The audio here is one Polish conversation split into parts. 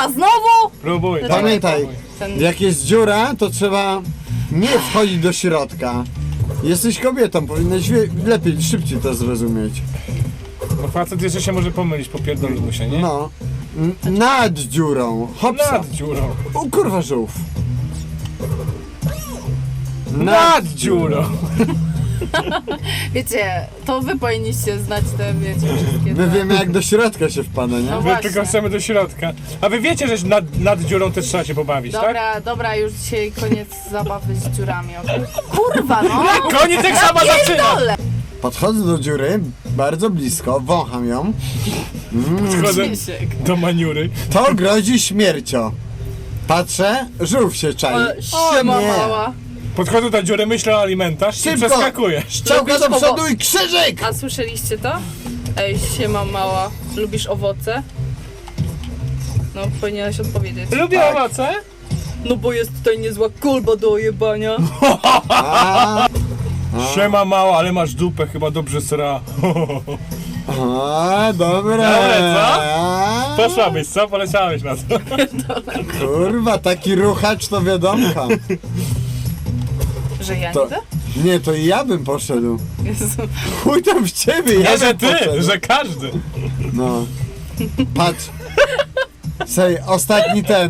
Kurwa, znowu? Próbuj. Pamiętaj, Ten- jak jest dziura, to trzeba nie wchodzić do środka. Jesteś kobietą, powinnaś lepiej, szybciej to zrozumieć. No facet jeszcze się może pomylić, popierdolił mu się, nie? No. Nad dziurą. Hopsa. Nad dziurą. O kurwa żółw. Nad dziurą. Wiecie, to wy powinniście znać te, wiecie, wszystkie My te... wiemy jak do środka się wpada, nie? No My właśnie. tylko chcemy do środka. A wy wiecie, że nad dziurą też trzeba się pobawić, tak? Dobra, dobra, już dzisiaj koniec zabawy z dziurami, okej? Kurwa, no! Koniec jak sama zaczyna! Pierdolę! Podchodzę do dziury, bardzo blisko, wącham ją. Schodzę Krzysiek. do maniury. To grozi śmiercią. Patrzę, żółw się czai. Siema nie. mała. Podchodzę do dziury, myślę o alimentach i Szybko. przeskakuję. Szczałka do przodu i krzyżyk! A słyszeliście to? Ej, siema mała, lubisz owoce? No, powinieneś odpowiedzieć. Lubię Tak. owoce? No bo jest tutaj niezła kolba do ojebania. A, Siema mała, ale masz dupę, chyba dobrze sra. a, dobre. Dobre, co? A, Poszłabyś, co? Poleciałeś na to. kurwa, taki ruchacz to wiadomka. Że ja To, niby? nie, to i ja bym poszedł. Jezu. Chuj tam w ciebie, ja Nie, że bym ty, poszedł. że każdy. No. Patrz. Sej, ostatni ten.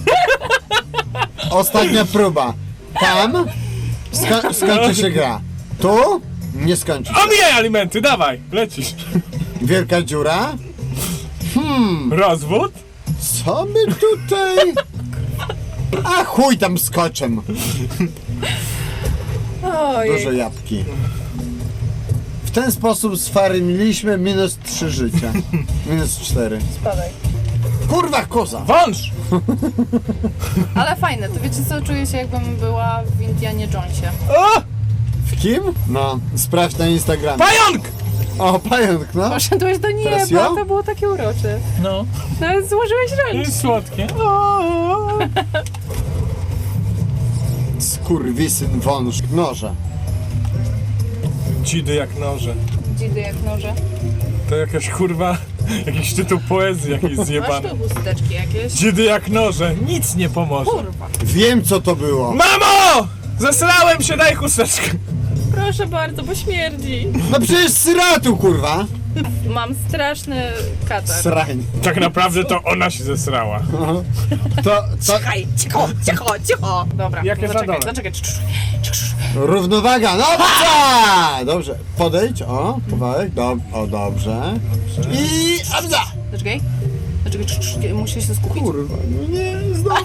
Ostatnia próba. Tam skończy się gra. Tu nie skończy się. Omijaj alimenty, dawaj, lecisz. Wielka dziura. Rozwód? Co my tutaj? A chuj tam skoczem. Ojej. Duże jabłki. W ten sposób sfarmiliśmy minus 3 życia. Minus 4. Spadaj. Kurwa koza. Wąż! Ale fajne, to wiecie co, czuję się jakbym była w Indianie Jonesie. O! W kim? No, sprawdź na Instagramie. Pająk! O, pająk, no. Poszedłeś do Teraz nieba, ja? to było takie urocze. No, Nawet złożyłeś ręce. jest słodkie. Skurwisyn wąż noże. Dzidy jak noże. Dzidy jak noże. To jakaś kurwa, jakiś tytuł poezji jakiejś Masz zjebany. tu chusteczki jakieś? Dzidy jak noże, nic nie pomoże. Kurwa. Wiem co to było. Mamo! Zesrałem się, daj chusteczkę. Proszę bardzo, bo śmierdzi. No przecież sratu kurwa. Mam straszny katar. Srań. Tak naprawdę to ona się zesrała. To Czekaj, cicho, cicho, cicho. Dobra, Jak jest na zaczekaj, dole? zaczekaj. równowaga, no dobrze! Dobrze, podejdź, o, kawałek, o dobrze. I abza! Zaczekaj. Zaczekaj, muszę się skupić. Kurwa, no nie, znowu.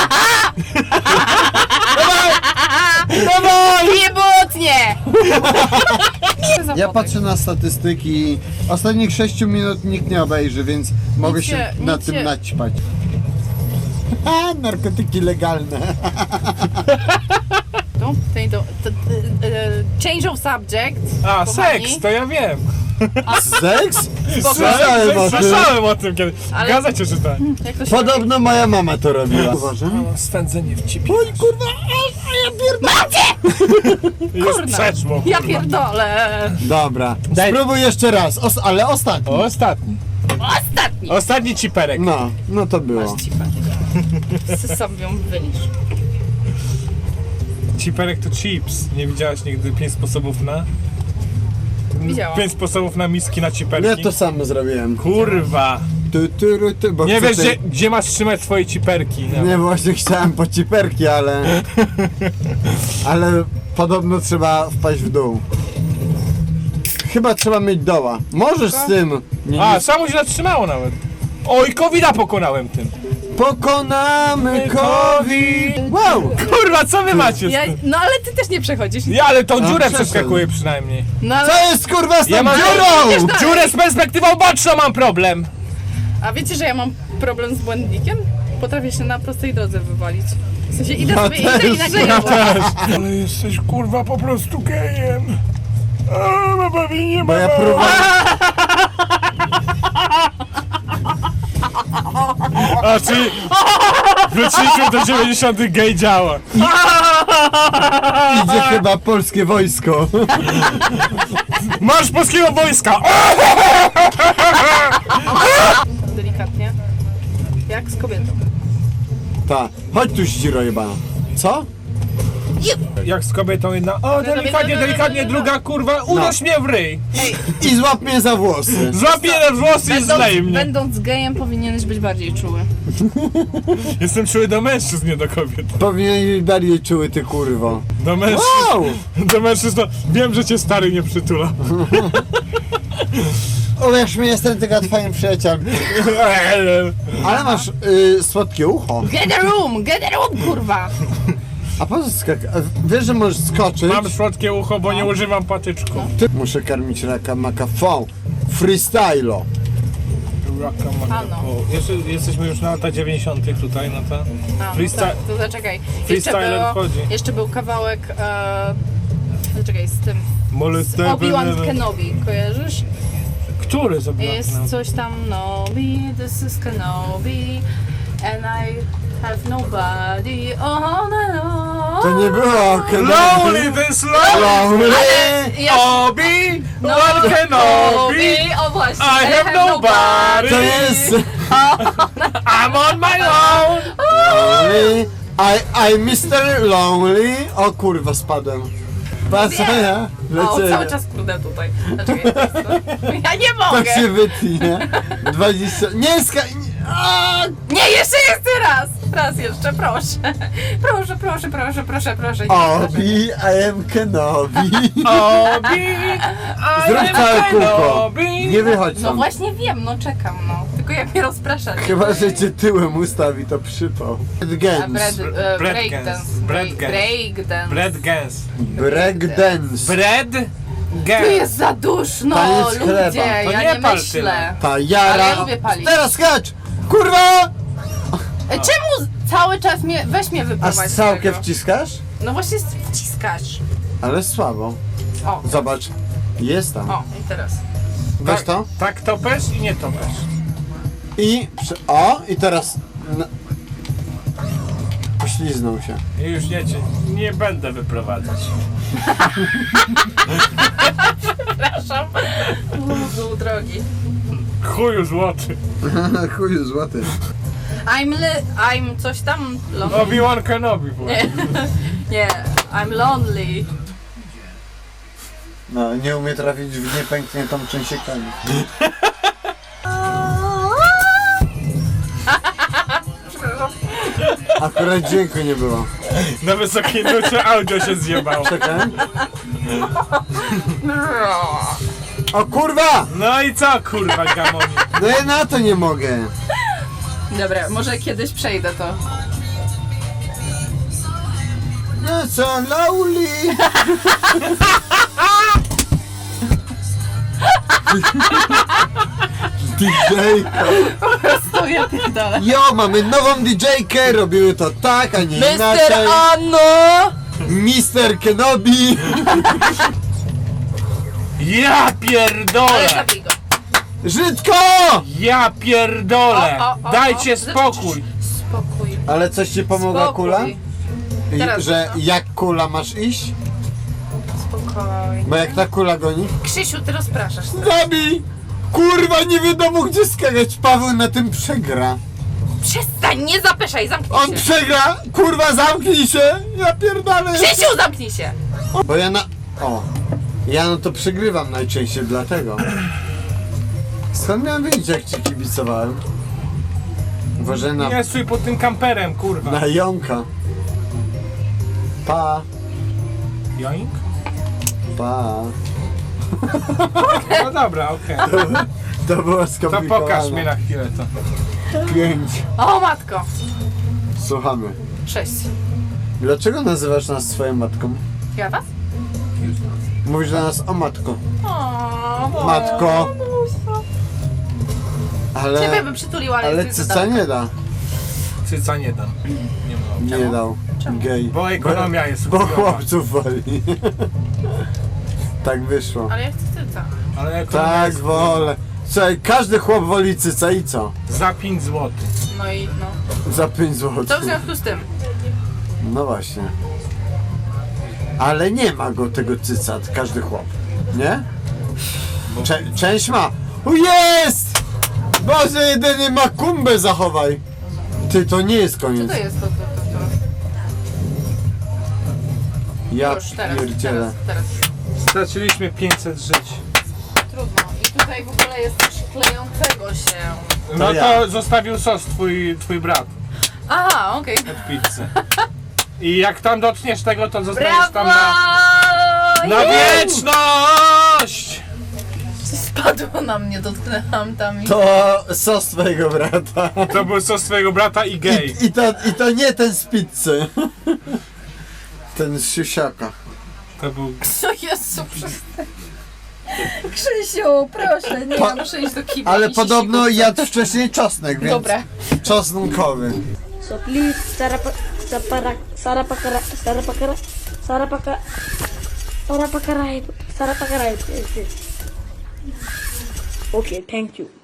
Dawaj! Nie butnie! Ja patrzę na statystyki. Ostatnich 6 minut nikt nie obejrzy, więc mogę się nic nad tym się- naćpać. Ha, narkotyki legalne. Change of subject. A, kochani. seks, to ja wiem. Seks? Słyszałem o tym. Słyszałem o tym kiedy. W Ale- gazecie czytałem. Jak to się Podobno moja mama to robiła. Uważam. Swędzenie w cipie. Oj kurwa, a ja pierdolę. Już Kurna. przeszło. Ja kurwa. pierdolę. Dobra, Daj- spróbuj jeszcze raz, ale ostatni. Ostatni. Ostatni. Ostatni ciperek. No to było. Masz cipę. Sam ją wylisz. Ciperek to chips. Nie widziałaś nigdy 5 sposobów na? Widziałam. 5 sposobów na miski na ciperki. Ja to samo zrobiłem. Kurwa. Bo Nie chcę wiesz, tej- gdzie masz trzymać swoje ciperki. No. Nie, właśnie chciałem po ciperki, ale... Ale podobno trzeba wpaść w dół. Chyba trzeba mieć doła. Możesz z tym... A, samo się zatrzymało nawet. Oj, covida pokonałem tym. Pokonamy COVID! Wow! Kurwa, co wy macie z Ja, tym? no ale ty też nie przechodzisz. Ja, ale tą dziurę przeszedł. przeskakuję przynajmniej. No ale... Co jest kurwa z tą Ja mam dziurą? dziurę z perspektywą boczną mam problem. A wiecie, że ja mam problem z błędnikiem? Potrafię się na prostej drodze wywalić. W sensie idę Ja sobie, idę też, i nagle ja Ale jesteś kurwa po prostu gejem. Nie Bo ja próbowałem... A czy wróciliśmy do 90 gej działa. Idzie chyba polskie wojsko. Marsz polskiego wojska! delikatnie. Jak z kobietą. Ta, chodź tu ściro jebana. Co? Jak z kobietą jedna, o delikatnie, delikatnie, druga kurwa, uderz mnie w ryj. I złap mnie za włosy. Złap mnie na włosy i zlej mnie. Będąc gejem powinieneś być bardziej czuły. Jestem czuły do mężczyzn, nie do kobiet. Powinien być bardziej czuły, ty kurwo. Do mężczyzn. Wow! Do mężczyzn to wiem, że cię stary nie przytula. Uwierz mi, jestem tylko twoim przyjacielem. Ale masz słodkie ucho. Get a room, kurwa! A po co wiesz, że możesz skoczyć? Mam słodkie ucho, bo nie używam patyczku. Muszę karmić raka makafon. Freestylo. Ano. Jesteśmy już na lata 90. tutaj, no to A, freestyle. tak, to zaczekaj. Freestyler wchodzi. Jeszcze był kawałek, zaczekaj, z tym, z Molesty. Obi-Wan Kenobi, kojarzysz? Który sobie? Jest coś tam, Nobi, this is Kenobi, and I have nobody, oh no. To nie było Lonely this lonely. Obi, Wan Kenobi. O właśnie, I have nobody. To jest... I'm on my own. Lonely. I Mr. Lonely. O kurwa, spadłem. Patrz, ja O, cały lecę. czas krudę tutaj. Zaczekaj, to jest to. Ja nie Tak mogę! się wytnie, nie? 20... Nie, A! Nie, jeszcze raz! Raz jeszcze, proszę. Proszę. Obi, I am Kenobi. Obi, Zrób całe kółko. Kenobi. Nie wychodź No stąd. właśnie wiem, no czekam, no. Tylko jak mnie rozpraszacie. Chyba, że cię tyłem ustawi, to przypał. Breakdance. Breakdance. Bread gans. Breakdance. Bread Tu gans. jest za duszno, Taniec chleba. ludzie, To ja nie nie pal myślę. tyle. Ta Ale jara. ja lubię palić. Teraz skacz! Kurwa! Czemu cały czas weź mnie A wyprowadź z strzałkę tego? wciskasz? No właśnie wciskasz. Ale słabo. O, Zobacz. Jest tam. o i teraz. Weź to. Tak topesz i nie topesz. I teraz... Pośliznął się. I już nie będę wyprowadzać. Przepraszam. Był drogi. Chuju złoty. Chuju złoty. I'm coś tam lonely. Obi-Wan Kenobi. Nie, I'm lonely. No, nie umie trafić w niepękniętą częściekami. Akurat dźwięku nie było. Na wysokiej nucie audio się zjebało. Czekaj. O kurwa! No i co kurwa gamonie? No ja na to nie mogę. Dobra, może kiedyś przejdę to. No co, Lauli? DJ-ka. To ja pierdolę. Jo, mamy nową DJ-kę, robiły to tak, a nie Mr. inaczej. Anno! Mr. Kenobi. Ja Ale pierdolę! zabij go. Żydko! Ja pierdolę! O. Dajcie spokój! Spokój. Ale coś ci pomogła Spokój. kula? Teraz Że no. jak kula masz iść? Spokojnie. Bo jak ta kula goni? Krzysiu, ty rozpraszasz. Zabij! Kurwa, nie wiadomo gdzie skakać. Paweł na tym przegra. Przestań, nie zapeszaj, zamknij On się. przegra! Kurwa, zamknij się! Ja pierdolę! Krzysiu, zamknij się! Bo ja na... O! Ja no to przegrywam najczęściej, dlatego. Skąd miałem wiedzieć, jak ci kibicowałem? Uważaj na... Nie stój pod tym kamperem, kurwa. Na jąka. Pa, Joink? pa. No dobra, okej. To było To skomplikowane. pokaż mi na chwilę to. 5. O matko. Słuchamy. 6. Dlaczego nazywasz nas swoją matką? Ja was? Mówisz do nas o matko. O, Matko. Ciebie Ale... bym przytuliła, ale, Ale jesteś za cyca daleko. nie da. Cyca nie dam. Nie mam. Nie dał. Gej. Bo ekonomia jest Bo chujowa. chłopców woli. Tak wyszło. Ale ja chcę cyca. Ale ekonomia Tak jest wolę. Słuchaj, każdy chłop woli cyca i co? za 5 zł. No i no. Za 5 zł. To w związku z tym. No właśnie. Ale nie ma go tego cyca, każdy chłop. Nie? Część ma. O jest! Boże, jedynie ma kumbę zachowaj. Ty, to nie jest Co koniec. to jest to Ja Już, teraz. pierdzielę. Straciliśmy 500 żyć. Trudno. I tutaj w ogóle jest coś klejącego się. No to ja. zostawił sos twój brat Aha, okej. od pizzy. I jak tam dotkniesz tego, to zostajesz tam Brawo! na wieczność! Spadło na mnie, dotknęłam tam i... To sos twojego brata. To był sos twojego brata i gej. I to nie ten z pizzy. Ten z siusiaka. To był... Co Jezu, przestań. Krzysiu, proszę, nie, ja muszę iść do kibla. Ale i podobno sisiku. jadł wcześniej czosnek, więc Dobra. czosnkowy. So please, Sarapakarai. Okay, thank you.